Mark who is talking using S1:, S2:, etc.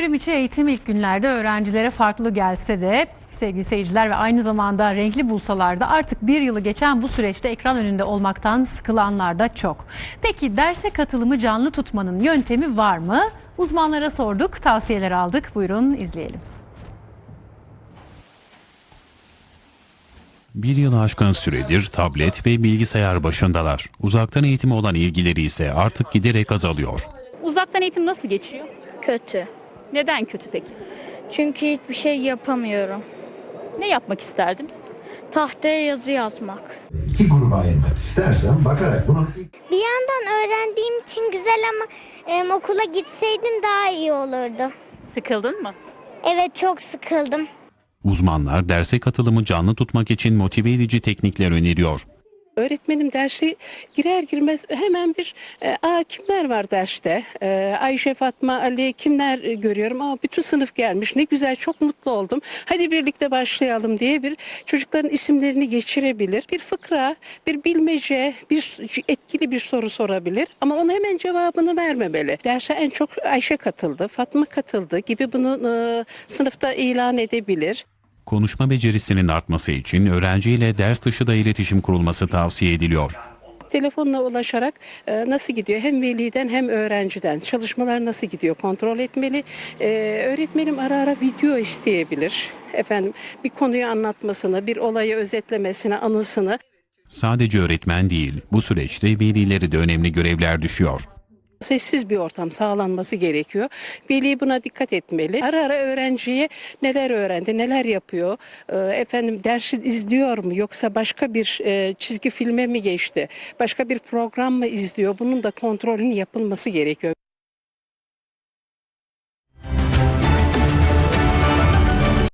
S1: Çevrim içi eğitim ilk günlerde öğrencilere farklı gelse de sevgili seyirciler ve aynı zamanda renkli bulsalar da artık bir yılı geçen bu süreçte ekran önünde olmaktan sıkılanlar da çok. Peki derse katılımı canlı tutmanın yöntemi var mı? Uzmanlara sorduk, tavsiyeler aldık. Buyurun izleyelim.
S2: Bir yılı aşkın süredir tablet ve bilgisayar başındalar. Uzaktan eğitime olan ilgileri ise artık giderek azalıyor.
S3: Uzaktan eğitim nasıl geçiyor?
S4: Kötü.
S3: Neden kötü peki?
S4: Çünkü hiçbir şey yapamıyorum.
S3: Ne yapmak isterdin?
S4: Tahtaya yazı yazmak.
S5: İki gruba ayırmak istersen bakarak bunun
S6: Bir yandan öğrendiğim için güzel ama okula gitseydim daha iyi olurdu.
S3: Sıkıldın mı?
S6: Evet, çok sıkıldım.
S2: Uzmanlar derse katılımı canlı tutmak için motive edici teknikler öneriyor.
S7: Öğretmenim derse girer girmez hemen bir kimler var derste? Ayşe, Fatma, Ali kimler görüyorum? Bütün sınıf gelmiş, ne güzel, çok mutlu oldum. Hadi birlikte başlayalım diye bir çocukların isimlerini geçirebilir. Bir fıkra, bir bilmece, bir etkili bir soru sorabilir ama ona hemen cevabını vermemeli. Derse en çok Ayşe katıldı, Fatma katıldı gibi bunu sınıfta ilan edebilir.
S2: Konuşma becerisinin artması için öğrenciyle ders dışı da iletişim kurulması tavsiye ediliyor.
S7: Telefonla ulaşarak nasıl gidiyor hem veliden hem öğrenciden çalışmalar nasıl gidiyor kontrol etmeli. Öğretmenim ara ara video isteyebilir. Bir konuyu anlatmasını, bir olayı özetlemesini, anısını.
S2: Sadece öğretmen değil, bu süreçte velileri de önemli görevler düşüyor.
S7: Sessiz bir ortam sağlanması gerekiyor. Veli buna dikkat etmeli. Ara ara öğrenciye neler öğrendi, neler yapıyor, dersi izliyor mu yoksa başka bir çizgi filme mi geçti, başka bir program mı izliyor? Bunun da kontrolünün yapılması gerekiyor.